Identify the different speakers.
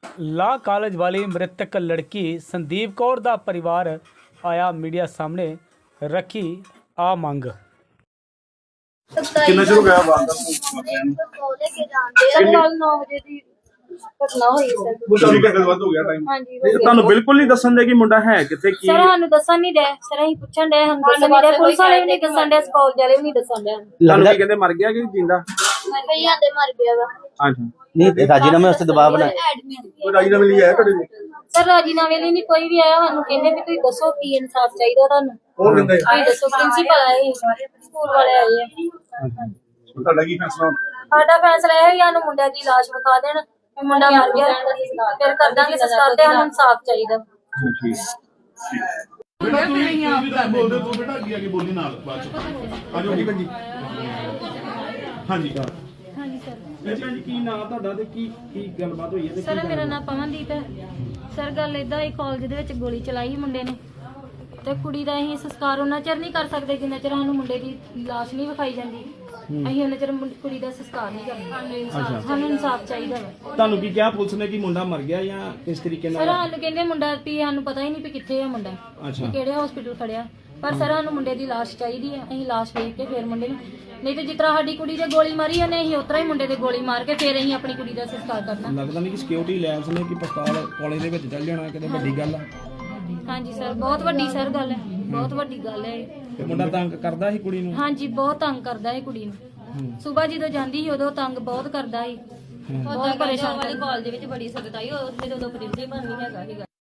Speaker 1: ਲਾ ਕਾਲਜ ਵਾਲੀ ਮ੍ਰਿਤਕ ਲੜਕੀ ਸੰਦੀਪ ਕੌਰ ਦਾ ਪਰਿਵਾਰ ਆਇਆ ਮੀਡੀਆ ਸਾਹਮਣੇ ਰੱਖੀ ਆ ਮੰਗ।
Speaker 2: ਕਿੰਨਾ ਚਿਰ ਹੋ ਗਿਆ ਵਾਰਦਾਤ
Speaker 3: ਸਰ ਕੱਲ 9 ਵਜੇ ਦੀ ਘਟਨਾ ਹੋਈ ਸਰ।
Speaker 2: ਤੁਹਾਨੂੰ ਕਿੰਨੇ ਵੱਧ ਹੋ ਗਿਆ ਟਾਈਮ?
Speaker 3: ਹਾਂਜੀ
Speaker 4: ਤੁਹਾਨੂੰ ਬਿਲਕੁਲ ਨਹੀਂ ਦੱਸਣ ਦੇ ਕਿ ਮੁੰਡਾ ਹੈ ਕਿੱਥੇ ਕੀ
Speaker 3: ਸਰ ਸਾਨੂੰ ਦੱਸਣ ਨਹੀਂ ਦੇ ਸਰ ਅਸੀਂ ਪੁੱਛਣ ਦੇ ਸਾਨੂੰ ਦੱਸਣ ਨਹੀਂ ਦੇ ਪੁਲਿਸ ਵਾਲੇ ਵੀ ਨਹੀਂ ਦੱਸਣ ਦੇ ਕਾਲਜ ਵਾਲੇ ਵੀ ਨਹੀਂ ਦੱਸਣ ਦੇ
Speaker 4: ਲੱਗਦਾ ਕਹਿੰਦੇ ਮਰ ਗਿਆ ਕਿ ਜਿੰਦਾ?
Speaker 3: ਭਈਆ ਦੇ ਮਰ ਗਿਆ ਵਾ।
Speaker 4: ਅੱਛਾ
Speaker 5: नहीं राजीनामे वास्ते दबाव बनाया।
Speaker 2: ਕੋਈ ਰਾਜੀਨਾਮੇ ਲਈ ਆਇਆ ਤੁਹਾਡੇ ਕੋਲ?
Speaker 3: ਸਰ ਰਾਜੀਨਾਮੇ ਲਈ ਨਹੀਂ ਕੋਈ ਵੀ ਆਇਆ ਸਾਨੂੰ ਕਹਿੰਦੇ ਵੀ ਤੁਸੀਂ ਦੱਸੋ ਕੀ ਇਨਸਾਫ ਚਾਹੀਦਾ ਤੁਹਾਨੂੰ।
Speaker 2: ਉਹ ਕਹਿੰਦੇ
Speaker 3: ਤੁਸੀਂ ਦੱਸੋ ਪ੍ਰਿੰਸੀਪਲ ਆਏ ਸਕੂਲ ਵਾਲੇ ਆਏ ਆ।
Speaker 2: ਤੁਹਾਡਾ ਕੀ ਫੈਸਲਾ ਹੁਣ?
Speaker 3: ਸਾਡਾ ਫੈਸਲਾ ਇਹ ਹੈ ਸਾਨੂੰ ਮੁੰਡਿਆਂ ਦੀ ਲਾਸ਼ ਵਿਖਾ ਦੇਣ ਵੀ ਮੁੰਡਾ ਮਰ ਗਿਆ ਫਿਰ ਕਰ ਦਾਂਗੇ ਸੰਸਕਾਰ ਤੇ ਸਾਨੂੰ ਇਨਸਾਫ ਚਾਹੀਦਾ।
Speaker 2: ਬੇਟਾ ਤੂੰ ਵੀ ਤਾਂ ਬੋਲਦੇ ਤੂੰ ਬੇਟਾ ਅੱਗੇ ਆ ਕੇ ਬੋਲੀ ਨਾਲ ਬਾਅਦ ਚ ਆਜੋ ਜੀ ਭੰਜੀ। ਹਾਂਜੀ
Speaker 3: ਹਾਂਜੀ ਸਰ।
Speaker 4: ਭੈਣ ਜੀ ਕੀ ਨਾਮ ਤੁਹਾਡਾ ਤੇ ਕੀ ਕੀ ਗੱਲਬਾਤ ਹੋਈ ਹੈ ਤੇ
Speaker 3: ਸਰ ਮੇਰਾ ਨਾਮ ਪਵਨਦੀਪ ਹੈ। ਸਰ ਗੱਲ ਇਦਾਂ ਹੀ ਕਾਲਜ ਦੇ ਵਿੱਚ ਗੋਲੀ ਚਲਾਈ ਮੁੰਡੇ ਨੇ ਤੇ ਕੁੜੀ ਦਾ ਅਸੀਂ ਸੰਸਕਾਰ ਉਹਨਾਂ ਚਿਰ ਨਹੀਂ ਕਰ ਸਕਦੇ ਜਿੰਨਾ ਚਿਰ ਸਾਨੂੰ ਮੁੰਡੇ ਦੀ ਲਾਸ਼ ਨਹੀਂ ਵਿਖਾਈ ਜਾਂਦੀ। ਅਸੀਂ ਉਹਨਾਂ ਚਿਰ ਕੁੜੀ ਦਾ ਸੰਸਕਾਰ ਨਹੀਂ ਕਰਨਾ। ਸਾਨੂੰ ਇਨਸਾਫ ਚਾਹੀਦਾ ਵਾ।
Speaker 4: ਤੁਹਾਨੂੰ ਕੀ ਕਿਹਾ ਪੁਲਿਸ ਨੇ ਕਿ ਮੁੰਡਾ ਮਰ ਗਿਆ ਜਾਂ ਕਿਸ ਤਰੀਕੇ
Speaker 3: ਸਰ
Speaker 4: ਨਾਲ?
Speaker 3: ਸਾਨੂੰ ਕਹਿੰਦੇ ਮੁੰਡਾ ਵੀ ਸਾਨੂੰ ਪਤਾ ਹੀ ਨਹੀਂ ਵੀ ਕਿੱਥੇ ਆ ਮੁੰਡਾ
Speaker 4: ਅੱਛਾ
Speaker 3: ਕਿਹੜੇ ਹਸਪੀਟਲ ਖੜਿਆ ਪਰ ਸਰ ਸਾਨੂੰ ਮੁੰਡੇ ਦੀ ਲਾਸ਼ ਚਾਹੀਦੀ ਹੈ। ਅਸੀਂ ਲਾਸ਼ ਵੇਖ ਕੇ ਫਿਰ ਮੁੰਡੇ ਨੂੰ ਨਹੀਂ ਤੇ ਜਿਸ ਤਰ੍ਹਾਂ ਸਾਡੀ ਕੁੜੀ ਦੇ ਗੋਲੀ ਮਾਰੀ ਉਹਨੇ ਅਸੀਂ ਉਤਰਾ ਹੀ ਮੁੰਡੇ ਦੇ ਗੋਲੀ ਮਾਰ ਕੇ ਫਿਰ ਅਸੀਂ ਆਪਣੀ ਕੁੜੀ ਦਾ ਸੰਸਕਾਰ ਕਰਨਾ।
Speaker 4: ਲੱਗਦਾ ਨਹੀਂ ਕਿ ਸਿਕਿਉਰਿਟੀ ਲੈਬਸ ਨੇ ਕਿ ਪਿਸਤੌਲ ਕਾਲਜ ਦੇ ਵਿੱਚ ਚੱਲ ਜਾਣਾ ਕਿਤੇ ਵੱਡੀ ਗੱਲ ਆ।
Speaker 3: ਹਾਂਜੀ ਸਰ ਬਹੁਤ ਵੱਡੀ ਸਰ ਗੱਲ ਹੈ ਬਹੁਤ ਵੱਡੀ ਗੱਲ ਹੈ ਇਹ।
Speaker 4: ਤੇ ਮੁੰਡਾ ਤੰਗ ਕਰਦਾ ਸੀ ਕੁੜੀ ਨੂੰ?
Speaker 3: ਹਾਂਜੀ ਬਹੁਤ ਤੰਗ ਕਰਦਾ ਹੈ ਕੁੜੀ ਨੂੰ। ਸਵੇਰ ਜਦੋਂ ਜਾਂਦੀ ਸੀ ਉਦੋਂ ਤੰਗ ਬਹੁਤ ਕਰਦਾ ਸੀ। ਬਹੁਤ ਪਰੇਸ਼ਾਨ
Speaker 6: ਵਾਲੀ ਕਾਲਜ ਵਿੱਚ ਬੜੀ ਸਖਤਾਈ ਉੱਥੇ ਜਦੋਂ ਪ੍ਰਿੰਸੀਪਲ ਨਹੀਂ ਹੈਗਾ ਸੀਗਾ।